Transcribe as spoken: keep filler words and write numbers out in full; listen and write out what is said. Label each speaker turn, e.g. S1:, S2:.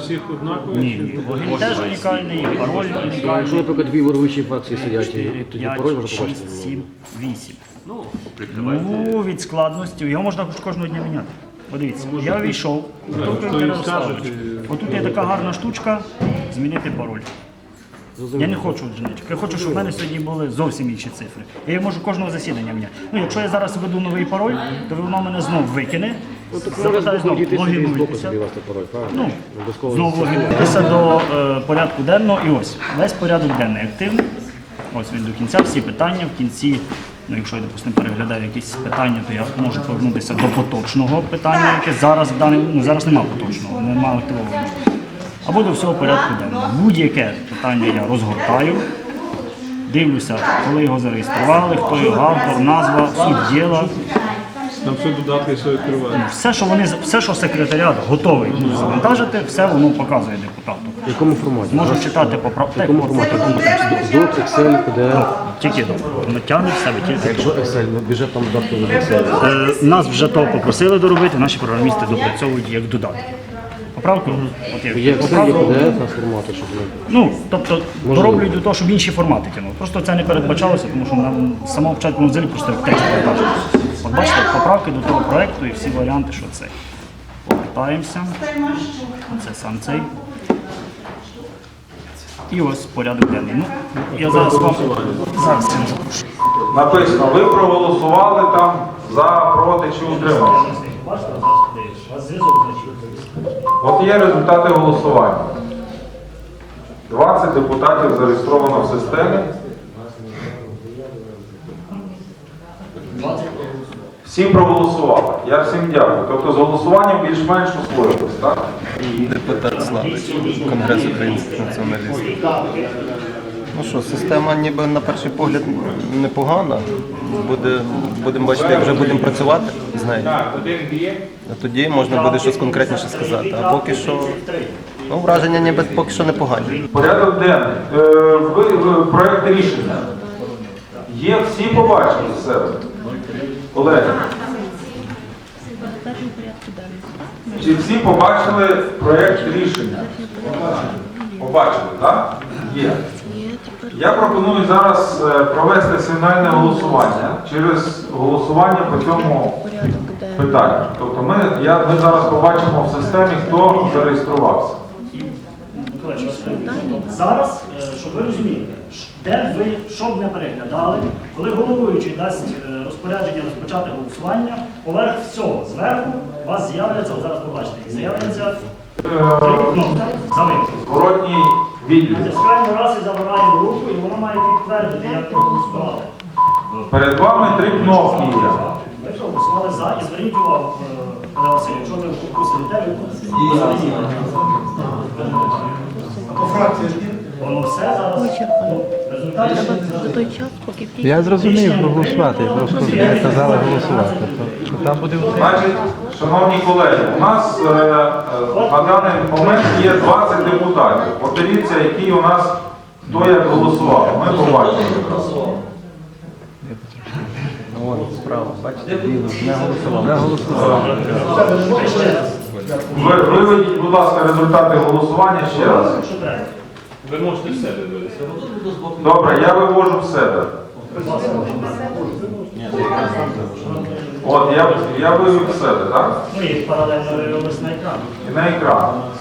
S1: всіх однакові?
S2: Ні, ні, логін теж унікальний, і пароль
S3: Якщо,
S2: унікальний.
S3: наприклад, дві ворвучі фракції сидять, і тоді
S2: п'ять,
S3: пароль можна побачити.
S2: шість, сім, вісім.
S1: Ну, прикривайте.
S2: Ну, від складності, його можна кожного дня міняти. Подивіться, я війшов,
S1: хто їм скаже, ти-
S2: отут є така гарна штучка, змінити пароль. Я не хочу одиничок. Я хочу, щоб в мене сьогодні були зовсім інші цифри. Я можу кожного засідання міняти. Ну, якщо я зараз введу новий пароль, то воно мене знов викине.
S3: Ну, так
S2: Запитаю
S3: можна
S2: знову,
S3: дійти собі з боку
S2: логінуйтеся.
S3: собі вести пароль, правильно?
S2: Ну,
S3: Обов'язково
S2: знову логінуйтеся до е, порядку денного. І ось, весь порядок денний активний. Ось він до кінця, всі питання. В кінці, ну, якщо я, допустимо, переглядаю якісь питання, то я можу повернутися до поточного питання, яке зараз в даний, ну, зараз немає поточного, немає активованого. Або до всього порядку денного. Будь-яке питання я розгортаю, дивлюся, коли його зареєстрували, хто його автор, назва, суть діла.
S1: Там все додатки, все відкриває.
S2: Все, що вони, все, що секретаріат готовий ну, завантажити, все воно показує депутату.
S3: В якому форматі?
S2: Можу читати по прав-
S3: В якому форматі? Doc, Excel, пі ді еф.
S2: Тільки натягнуть в себе тільки.
S3: Якщо Excel, ну, бюджет там додатку в Excel.
S2: Е, Нас вже то попросили доробити, наші програмісти допрацьовують як додатки. Поправку? От
S3: Є
S2: як
S3: Excel, є
S2: поправку.
S3: пі ді еф на форматі, щоб вони...
S2: Ну, тобто дороблюють до того, щоб інші формати тягнули. Просто це не передбачалося, тому що нам з самого початку ми взяли просто як текст передбачили. От бачите, поправки до того проєкту і всі варіанти, що це. Повертаємося. Це сам цей. І ось порядок денний. Ну, я зараз вам зараз я запрошую.
S4: Написано, ви проголосували там за, проти чи утрималися.
S2: Бачите, зараз подивиш. У вас зв'язок значить.
S4: От є результати голосування. двадцять депутатів зареєстровано в системі. Всі проголосували. Я всім дякую. Тобто з голосуванням більш-менш освоїлось, так?
S5: Депутат Славич, Конгрес українських націоналістів. Ну що, система ніби на перший погляд непогана. Буде, будемо бачити, як вже будемо працювати з нею. А тоді можна буде щось конкретніше сказати. А поки що, ну, враження ніби поки що непогані.
S4: Порядок денний. Е, ви, ви, проект рішення. Є, всі побачили в себе. Колеги, чи всі побачили проект рішення? Побачили, так? Є. Я пропоную зараз е, провести сигнальне голосування через голосування по цьому питанню. Тобто ми, я, ми зараз побачимо в системі, хто зареєструвався.
S2: Зараз, е, щоб ви розуміли, де ви, що б не переглядали, коли головуючий дасть е, розпорядження розпочати голосування, поверх всього, зверху, у вас з'являться, от зараз побачите, з'являться три кнопки за вибір.
S4: Зворотній відлік.
S2: Натискаємо раз і забираємо руку, і вона має підтвердити, як ви голосували.
S4: Перед вами три кнопки є.
S2: Ви проголосували за, і зверніть увагу, е, Олег Васильович, якщо ви вкусили те, ви по фракції воно все зараз. Ну, результати
S6: За той час, поки всі
S7: Я зрозумів проголосувати, просто не казали голосувати. То там буде
S4: Значить, шановні колеги, у нас е, е, на даний момент є двадцять депутатів. Подивіться, які у нас, хто як голосував. Ми побачимо.
S5: Вон, справа, бачите, біло, не голосував.
S7: не голосувати.
S4: Ви, виведіть, будь ласка, результати голосування ще раз.
S2: що треба.
S1: Ви можете в себе вивести.
S4: Добре, я вивожу в себе. От, я, я вивів в себе, так?
S2: Ну і паралельно вивелось на екран.
S4: І на екран.